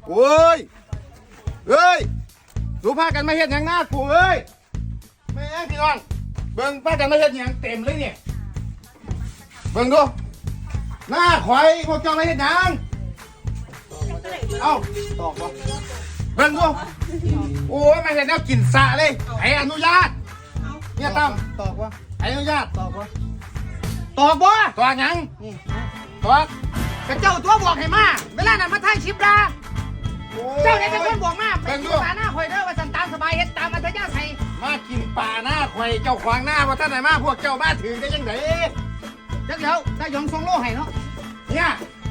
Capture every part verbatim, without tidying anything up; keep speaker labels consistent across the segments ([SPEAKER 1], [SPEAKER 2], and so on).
[SPEAKER 1] โอ้ยเอ้ยสูพากันมาเฮ็ดหยังหน้ากูเอ้ยแม่พี่น้องเบิ่งพากันมาเฮ็ดหยังเต็มเลยเนี่ยเบิ่งดูหน้าข่อยพวกเจ้ามาเฮ็ดหยังเอ้าตอกบ่เบิ่งดูโอ้ยมาเฮ็ดแนวกินสะเลยให้อนุญาตเนี่ยตั้มตอกบ่ให้อนุญาตตอกบ่ตอกบ่ตอกหยังตอกกระเจ้าตัวบอกให้มาเวลานั้นมาถ่ายคลิปด่าเจ้าเนี่ยเป็นคนบอกมาไปกินปลาหน้าข่อยเด้อว่าสันตามสบายเฮ็ดตามอัธยาศัยมากินปลาหน้าข่อยเจ้าขวางหน้าว่าท่านไหนมาพวกเจ้ามาถึงได้ยังไงจักเดี๋ยวได้ยองทรงโลให้เนาะเนี่ย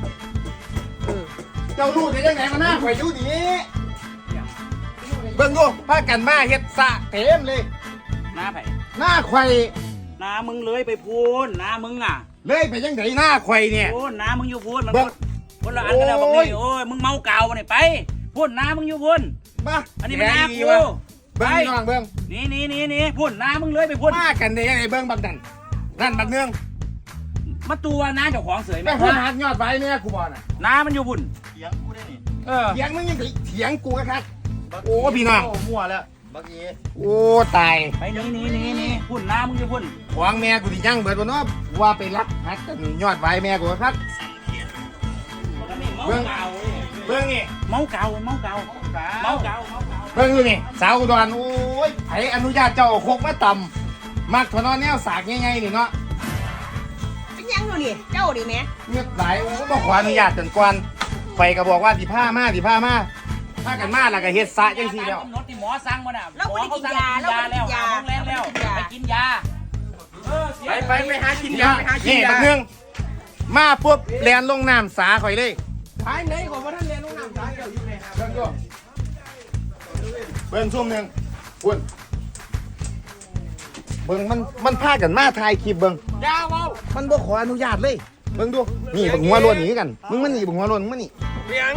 [SPEAKER 1] เจ้ารู้ได้ยังไงมาหน้าข่อยอยู่ดีเบิ่งดูพากันมาเฮ็ดสะเต็มเลย
[SPEAKER 2] หน้าไผ่
[SPEAKER 1] หน้าข่อย
[SPEAKER 2] หน้ามึงเลยไปพูนหน้ามึงอ่ะ
[SPEAKER 1] เลยไปยังไงหน้าข่อยเนี่ย
[SPEAKER 2] พูนหน้ามึงอยู่พูนมัน
[SPEAKER 1] เบิ่ง
[SPEAKER 2] คนละอันกันแล้วบอก
[SPEAKER 1] โอ้ย
[SPEAKER 2] นี่โอ้ยมึงเมาเก่ามาเนี่ยไปพูนหน้ามึงอยู่พูน
[SPEAKER 1] มา
[SPEAKER 2] อันนี้เป็นหน้ากู
[SPEAKER 1] เบิ่งพี่น้องเบิ่ง
[SPEAKER 2] นี่นี่นี่นี่พูนหน้ามึงเลยไปพูน
[SPEAKER 1] มากันได้ยังไงเบิ่งบักนั่นนั่นบักเนือง
[SPEAKER 2] มาตัวหน้าเจ้าของเสย
[SPEAKER 1] ไปพูดหักยอดไว้เนี่ยกูบอกน่ะ
[SPEAKER 2] หน้ามันอยู่พูน
[SPEAKER 3] เถียงกูได้นี่
[SPEAKER 2] เออ
[SPEAKER 1] เถียงมึงยังเถียงกูกันครับโอ้พี่น้อง
[SPEAKER 3] โอ้มั่วแล้วบักเอ๋
[SPEAKER 1] โอ้ตาย
[SPEAKER 2] ไปนี่นี่นี่นี่พูนหน้ามึงอยู่พูน
[SPEAKER 1] ขวางแม่กูที่ยังเบิดบ่เนาะว่าไปรักหักกันยอดไว้แม่กูครับ
[SPEAKER 2] เบิ่งเก่า
[SPEAKER 1] เบิ่งนี่
[SPEAKER 2] เมาเก่าเมาเก่าเมาเก่าเมาเก่า
[SPEAKER 1] เบิ่งดูนี่สาวอุดรโอ้ยไผอนุญาตเจ้าเอาโคกมาต่ำมักถนนแนวสากง่ายๆนี่เนาะ
[SPEAKER 4] เป็นยังอยู่นี่เจ้าดิแม่
[SPEAKER 1] เงียบหลายโอ้บ่ขออนุญาตจนกวนไฟก็บอกว่าสิพามาสิพามาพากันมาแล้วก็เฮ็ดสระจังซี่แล้ว
[SPEAKER 2] กำหนดที่หมอสั่งมาน่ะ
[SPEAKER 4] เราไม่ได้กินยา
[SPEAKER 2] หมอเขาสั่งกินยาแล้ว
[SPEAKER 4] เราไม่ได้กินยา
[SPEAKER 2] หาโรงแรมแล้วไปกินยาเออเสีย
[SPEAKER 3] ไปไปไปหากินยาไปหากิน
[SPEAKER 1] นี่
[SPEAKER 3] ยา
[SPEAKER 1] บักเนืองมาปุ๊บแลนลงน้ำสาข่อยเลย
[SPEAKER 3] ท้ายไหนของว่าท่านเรียนลูกน้ำท้ายเดี๋ยวอยู่ไหนครับ
[SPEAKER 1] เบิ่งดูเบิ่งช่วงหนึงพุ่นเบิ่งมันมันพากันมาถ่ายคลิปเบิ่ง
[SPEAKER 3] ยาเว้า
[SPEAKER 1] มันบ่ขออนุญาตเลยเบิ่งดูนี่บักหัวโล้นหนีกันมึงมันนี่บักหัวโล้นมึงมันนี่
[SPEAKER 3] เถียง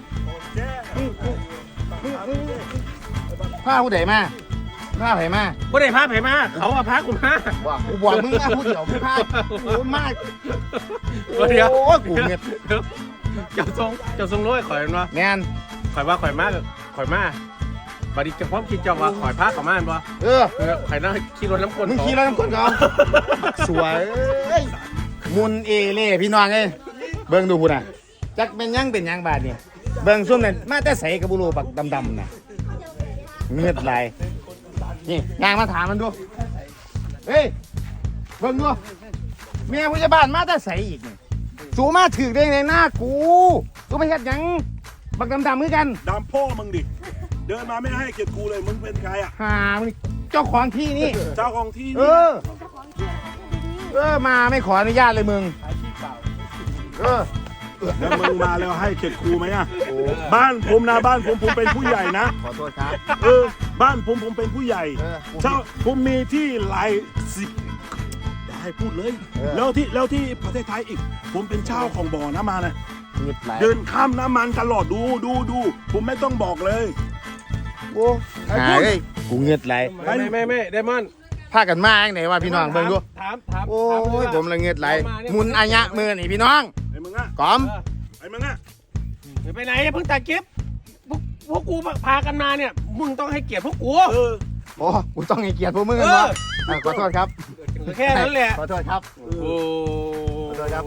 [SPEAKER 1] พาผู้ใดมาพาไผมา
[SPEAKER 3] บ่ได้พาไผมาเขาเอาพากูมา
[SPEAKER 1] ว่ากูบอกมึงมาผู้เดียวมึงพาโอ้มาก
[SPEAKER 3] เดี๋ยว
[SPEAKER 1] โอ้ยกูเงียบ
[SPEAKER 3] เจ้าทรงเจ้าทรงร้อยข่อยมันวะ
[SPEAKER 1] แม่น
[SPEAKER 3] ข่อยว่าข่อยมาข่อยมาบัดนี้เจะพร้าขอมคิดเจ้าว่าข่อยพาเขามาบ่
[SPEAKER 1] เออ
[SPEAKER 3] เออข่อยน่าขี่รถน้ำกล
[SPEAKER 1] มึงขี่แล้วน้ำก้นเขาสวยเอ้ยมุนเอเล่พี่น้องเอ้ยเบิ่งดูพุ่นน่ะจักเป็นหยังเป็นหยังบาดนี่เบิ่งซุ่มนั่นมาแต่ใสกับบุรูปักดำๆน่ะเงือดไหลนี่ยางมาถามมันดูเฮ้ยเบิ่งดูเมียผู้ใหญ่บ้านมาแต่ใสอีกนี่สูมาถือได้ในหน้ากูสูไปเฮ็ดหยังบักดำๆคือกัน
[SPEAKER 5] ดามพ่อมึงดิ เดินมาไม่ให้เกียรติกูเลย มึงเป็นใครอ่ะ
[SPEAKER 1] หามึงเจ้าของที่นี่
[SPEAKER 5] เจ้าของที่
[SPEAKER 1] เอ
[SPEAKER 5] นี่
[SPEAKER 1] อ เออ มาไม่ขออนุญาตเลยมึง เออ
[SPEAKER 5] แล้วมึงมาแล้วให้เกียรติกูไหมอ่ะ บ้านผมนะบ้านผมผมเป็นผู้ใหญ่นะ
[SPEAKER 1] ขอโทษครับ
[SPEAKER 5] เออ บ้านผมผมเป็นผู้ใหญ่
[SPEAKER 1] เออ
[SPEAKER 5] เจ้าผมมีที่หลายสิบได้พูดเลย
[SPEAKER 1] เออ
[SPEAKER 5] แล้วที่แล้วที่ประเทศไทยอีก ผมเป็นเจ้าของบ่อน้ำมันนะ
[SPEAKER 1] เงียบไหล
[SPEAKER 5] เดินข้ามน้ำมันตลอดดูดูดู ผมไม่ต้องบอกเลย
[SPEAKER 1] โอ้หาเอ้ยกูเงียบไหล
[SPEAKER 3] ไม่ไม่ไม่ไม่ไดมอนด์
[SPEAKER 1] พากันมาอย่างไหนวะพี่น้องเบิ่งดู
[SPEAKER 3] ถามถาม
[SPEAKER 1] โอ้
[SPEAKER 3] ถาม
[SPEAKER 1] ยผมละเงียบไหลมุนอายะมือนี่พี่น้อง
[SPEAKER 5] ไอ้มึงอ่ะ
[SPEAKER 1] กอม
[SPEAKER 5] ไอ้มึงอ่ะ
[SPEAKER 3] เดี๋ยวไปไหนเพิ่งตัดคลิปพวกพวกกูพากันมาเนี่ยมึงต้องให้เกียรติพวกกู
[SPEAKER 5] เออ
[SPEAKER 1] โอ้กูต้องให้เกียรติพวกมึงกัน
[SPEAKER 3] เอ
[SPEAKER 1] วะ
[SPEAKER 3] อ
[SPEAKER 1] อ่ะขอโทษครับ
[SPEAKER 3] แค่นั้นแหละ
[SPEAKER 1] ขอโทษครับ
[SPEAKER 3] โอ้
[SPEAKER 1] ขอโทษครับ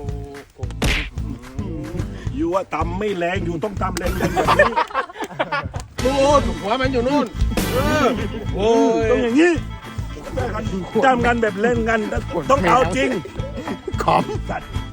[SPEAKER 5] อยู่ว่าตำไม่แรงอยู่ต้องตำแรงๆแบบนี้
[SPEAKER 3] นู่นหัวมันอยู่นู่นเออโอ้ย
[SPEAKER 5] ต้องอย่างนี้จำกันแบบเล่นกันต้องเอาจริง
[SPEAKER 1] ขอม
[SPEAKER 5] สัตว์